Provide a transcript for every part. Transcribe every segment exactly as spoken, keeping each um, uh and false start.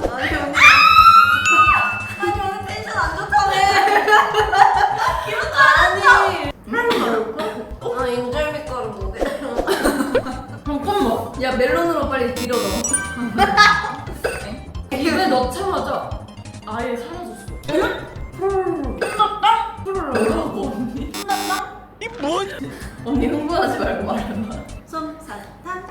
아니 언니 아니 오늘 텐션 안 좋다네. 아니 아 인절미 가루 뭐게? 잠깐만. 야 멜론으로 빨리 밀어 넣어. 입에 넣자마자 아예 사라졌어. 끝났다? 뭐라고 언니? 끝났다? 이 뭔? 언니 흥분하지 말고 말해봐. 솜사탕.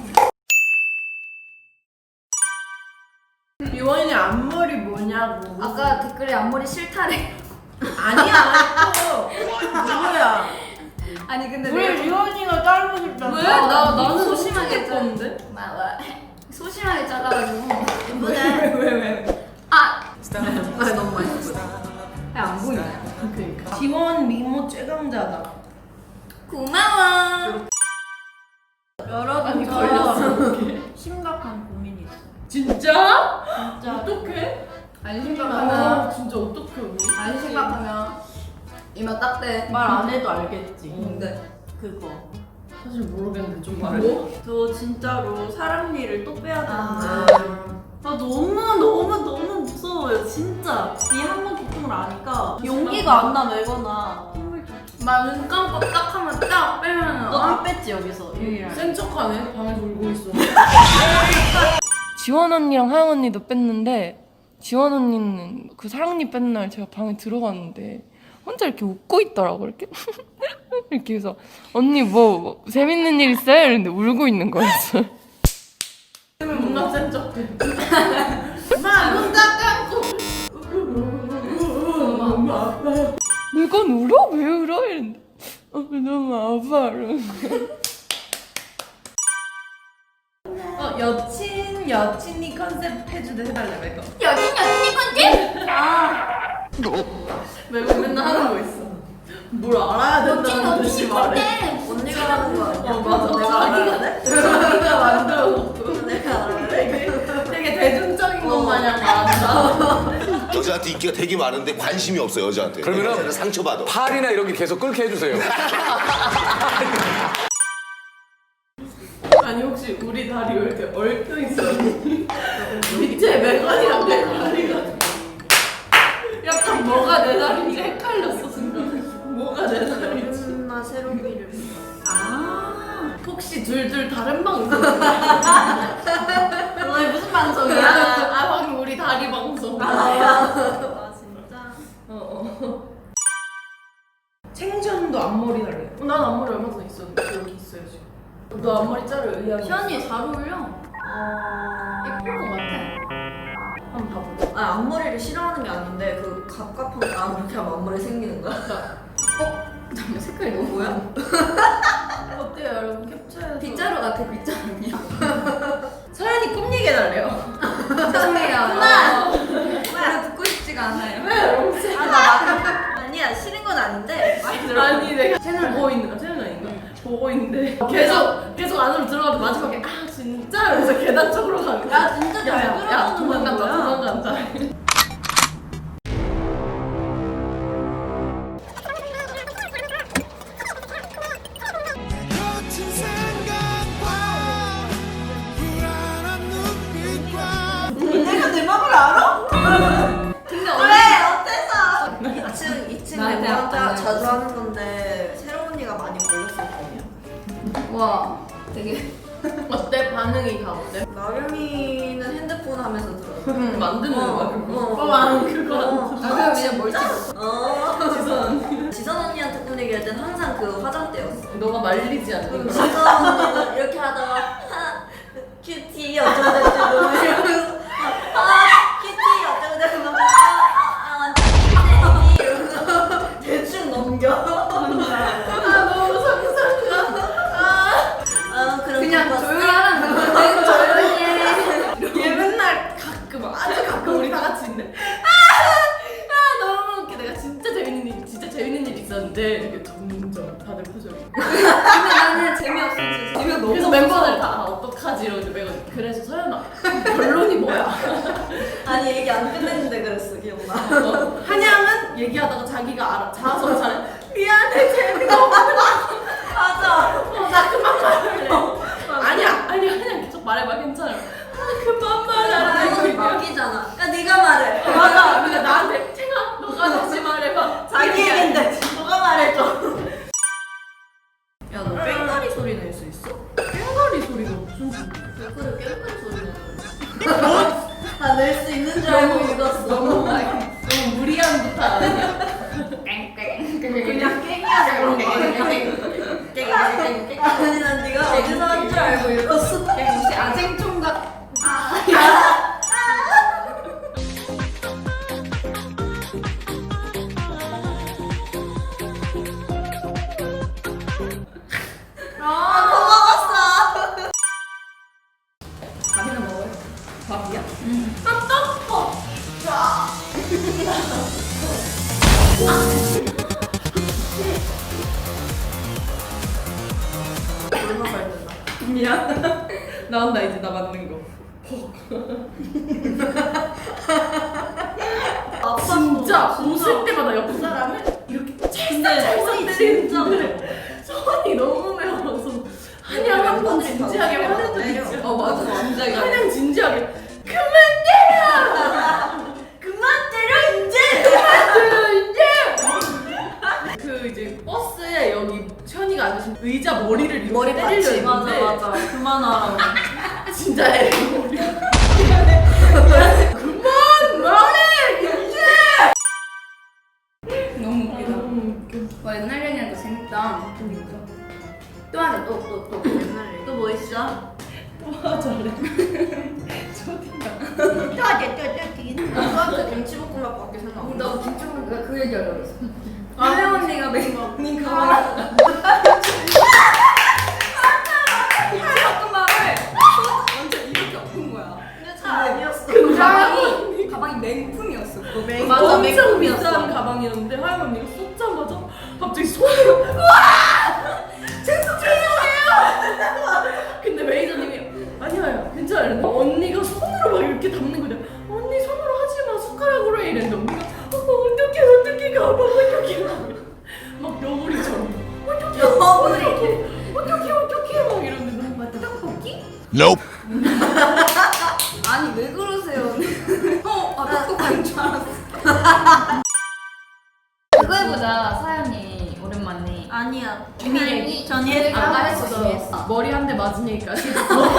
유원이 앞머리 뭐냐고. 아까 댓글에 앞머리 싫다래. 아니야. 또 누구야? 아니 근데 왜 내가 유원이가 자르고 싶다? 왜? 아, 나 나는 소심하게 소심하게 었는데 막, 막 소심하게 잘라가지고 예쁘네. 왜 왜? 아! 아 너무 맛있어. 안 보이냐? 그러니까. 지원 미모 최강자다. 고마워. 여러분 아니 저 걸렸어. 심각한 고민이 있어. 진짜? 진짜 어떡해? 안 아 심각하면 진짜 어떡해 언니? 안 심각하면 이마 딱대. 말 안 해도 알겠지. 뭔데? 그거. 사실 모르겠는데 좀 말해. 뭐? 저 진짜로 사람 일을 또 빼야 아. 되는데 아 너무 너무 너무 무서워요 진짜. 이 한 번 고통을 아니까 용기가 안 나 매거나 힘을 좀. 막눈 감고 딱 하면 딱 빼면 너 다 뺐지 여기서 유일하게. 센 척하네. 방에서 울고 있어. 지원 언니랑 하영 언니도 뺐는데 지원 언니는 그 사랑니 뺀 날 제가 방에 들어갔는데 혼자 이렇게 웃고 있더라고 이렇게 이렇게 해서 언니 뭐, 뭐 재밌는 일 있어요? 이랬는데 울고 있는 거였어. 뭔가 센 척해. 막눈 딱 감고. 너무 아파. 내가 울어? 왜 울어? 이랬는데 어, 너무 아파 이러는 거야. 어 여친 여친이 컨셉 해주대 해달래 이거. 여긴 여친이 건지? 왜 맨날 하는 거 있어. 뭘 알아야 여친 된다는 듯이 여친이 말해. 건지? 언니가 하는 거 아니야? 어 맞아. 내가 자기가 알아야 돼? 자기가 만들어 놓고 내가 알아야 돼? 되게 되게 대중적인 것 마냥 말한다. 여자한테 인기가 되게 많은데 관심이 없어 여자한테. 그러면은 여자는 상처받아. 팔이나 이런 게 계속 끓게 해주세요. 아니 혹시 우리 다리 왜 이렇게 얽혀 있어? 밑에 메관이랑 내 다리가 약간 뭐가 내 다리인지 헷갈렸어 순간. 뭐가 내 다리인지. 나 새로미를. 아 혹시 둘둘 다른 방 있었어? 오늘 무슨 아, 방송이야? 아 방금 우리 다리 방송. 아 진짜. 어, 어. 챙전도 앞머리 달래. 어, 난 앞머리 얼마 전에 있었는데 여기 있어요 지금. 너 앞머리 자를 의향이 있어? 현이 잘 어울려. 어... 예쁠 것 같아. 한번 봐보자. 아 앞머리를 싫어하는 게 아닌데 그 갑갑한 아 그렇게 하면 앞머리 생기는 거야? 잠깐 색깔이 너무 뭐야? 어때요 여러분 캡처해서. 빗자루 같아 빗자루. 서연이 꿈 얘기해달래요. 죄송해요. 하나! 별로 듣고 싶지가 않아요. 왜? 아나 아니야 싫은 건 아닌데 아니 내가 채널 보고 있는 거 채널 아닌가? 보고 있는데 계속 계속 안으로 들어가도 마지막에 아 진짜 이러면서 계단 쪽으로 가는 거야. 야 진짜 잘 야 들어가는 도망간다 거야. 도망간다. 내가 내 맘을 알아? 근데 왜 어때서? 이 층 이 층 나한테 멤버한테 안 자주 하는 건데 새로운 언니가 많이 걸렸었거든요. 와 되게 어때 반응이 다 어때? 나경이는 핸드폰 하면서 들었어. 응 만드는 거야 어, 그거. 어. 어 나는 그거. 어. 아 그럼 그냥 멀티. 어. 지선 언니. 지선 언니한테 꿈 얘기할 땐 항상 그 화장대였어. 너가 말리지 않는 거. 지선 언니는 이렇게 하다가 하, 큐티 어쩌고저쩌고 이러면서 아 큐티 어쩌고저쩌고 아아 완전 큐티 이러면서 대충 넘겨. 아 너무 상상가. 아. 아 그럼 그냥 봤어? 조용히 하라는 거야. 조용히 해. 얘 맨날 가끔 아주 가끔 우리 다 같이 있는데 아, 아 너무 웃겨. 내가 진짜 재밌는 일 진짜 재밌는 일 있었는데 이렇게 점점 다들 표정이. 근데 나는 재미없어 진짜. 재미가 너무 그래서 없어서. 멤버들 다 아, 어떡하지 이러는데 내가 그래서 서연아 결론이 뭐야? 아니 얘기 안 끝냈는데 그랬어 기억나. 어, 한양은 얘기하다가 자기가 알아 자아서 잘 미안해 재미가 없어. 맞아. 어, 나 그만 말할래. 아니야 아니 한양 계속 말해봐 괜찮아. 아 그만 말하래. 이거는 막이잖아. 나 낼 수 있는 줄 알고 읽었어. 너무 너무 무리한 부탁 아니야? 그냥 깽이야 그런 거. 아니 난 네가 어디서 한 줄 알고 읽었어. 혹시 아쟁총각 밥이나 먹어요? 밥이야? 미안. 나온다 이제 나 맞는 거. 진짜 웃을 때마다 옆 사람을 이렇게 찰싹찰싹 때리는데 손이 너무 매워서 한양 한 번 진지하게 화낸 적 있지. 어 맞아 완전 한양 진지하게 그만 때려! 그만 때려 이제! 그만 때려 이제! 그 이제 버스에 여기 현이가 앉으신 의자 머리를 이렇게 머리 때리려 받치. 맞아 했는데 맞아. 그만하라고. 진짜 애 머리 그만 말해 이제! 너무 웃기다. 너무 웃겨. 와 옛날 얘기하니까 재밌다. 또 하자 또 또 또 옛날 얘기. 또 뭐 있어? 와 잘해. 또 하자 또또 저한테 김치볶음밥 밖에 생각 안 나. 나도 김치볶음밥 내가 그 얘기 하려고 했어. 혜영 언니가 매일 먹는 가방 김치볶음밥을 완전 이렇게 엎은 거야. 근데 잘 아니었어. 가방이 가방이 맹품이었어. 그거 맹. 맞아, 엄청 맥북이었어. 비싼 가방이었는데 하영 언니가 쏟자마자 갑자기 손으로 와! 죄송 죄송해요. 근데 매니저님이 아니야 괜찮아 이랬는데 언니가 손으로 막 이렇게 담는 거냐. 언니 손으로 하지 마 숟가락으로 해 이랬는데 언니가 어, 어떡해 어떡해 가방 어떡해 막 여우리처럼 어떡해 어떡해 어떡해 어떡해 막 이러는데 너무 맞다 떡볶이? Nope. 아니 왜 그러세요? 어, 아 똑똑한 줄 알았어. 그거 해보자 사연이 오랜만에. 아니야. 비밀 전이 했어. 아까 했어 했어. 머리 한 대 맞은 얘기까지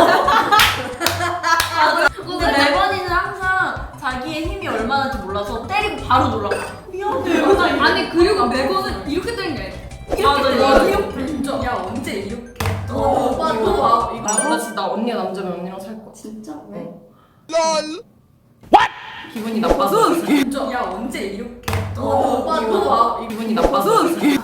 근데 레버니는 항상 자기의 힘이 얼마나인지 몰라서 때리고 바로 놀라. 미안해. 맞아. 아니 그리고 매번은 이렇게 되는 게 아니야. 맞아. 맞아. 이거 진짜 야 언제 이렇게? 어, 오빠 또 와. 이거 나, 나 진짜 나 언니가 남자면 언니랑 살 거야. 진짜 왜? 기분이 나빠서. 진짜 야 언제 이렇게? 어, 오빠 또 와. 기분이 나빠서.